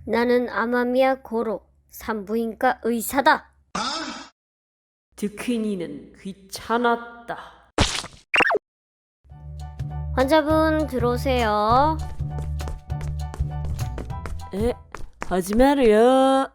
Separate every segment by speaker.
Speaker 1: 나는 아마미야 고로 산부인과 의사다.
Speaker 2: 듣기니는 귀찮았다.
Speaker 1: 환자분 들어오세요.
Speaker 2: 하지 말아요.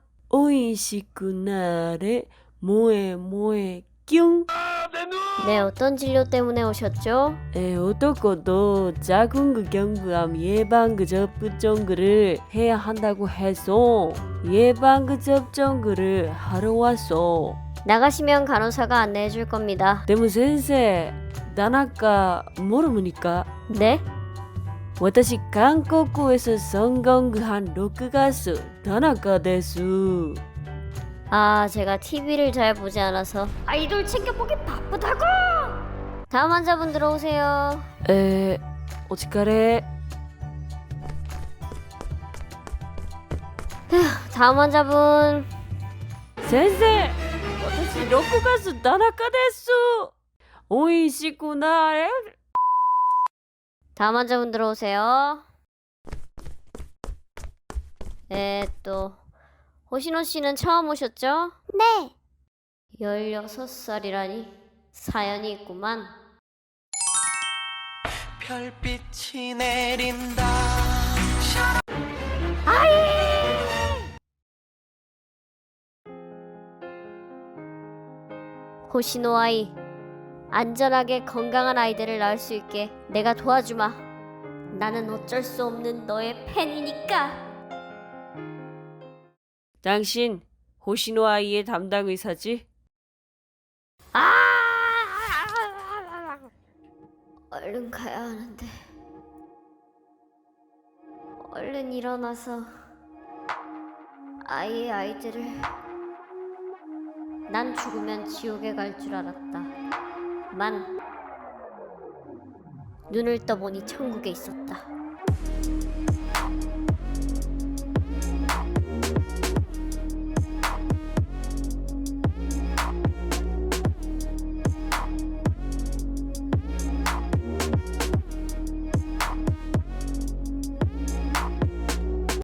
Speaker 2: 오이시쿠나레 모에 뀨.
Speaker 1: 네, 어떤 진료 때문에 오셨죠?
Speaker 2: 어떻고도 자궁 경부암 예방 접종을 해야 한다고 해서 예방 접종을 하러 왔어.
Speaker 1: 나가시면 간호사가 안내해 줄 겁니다.
Speaker 2: でも先生、田中모르니까?
Speaker 1: 네?
Speaker 2: 私韓国에서 성공한 로크 가수 다나카です.
Speaker 1: 아, 제가 TV를 잘 보지 않아서 아이돌 챙겨보기 바쁘다고! 다음 환자분 들어오세요.
Speaker 2: お疲れ.
Speaker 1: 다음 환자분.
Speaker 2: 先生、私ロックガス田中です。おいしくなれ.
Speaker 1: 다음 환자분 들어오세요. 호시노 씨는 처음 오셨죠? 네. 16살이라니 사연이 있구만.
Speaker 3: 별빛이 내린다.
Speaker 1: 호시노 아이, 안전하게 건강한 아이들을 낳을 수 있게 내가 도와주마. 나는 어쩔 수 없는 너의 팬이니까.
Speaker 2: 당신 호시노 아이의 담당 의사지?
Speaker 1: 얼른 가야 하는데. 얼른 일어나서 아이의 아이들을. 난 죽으면 지옥에 갈 줄 알았다. 만 눈을 떠보니 천국에 있었다.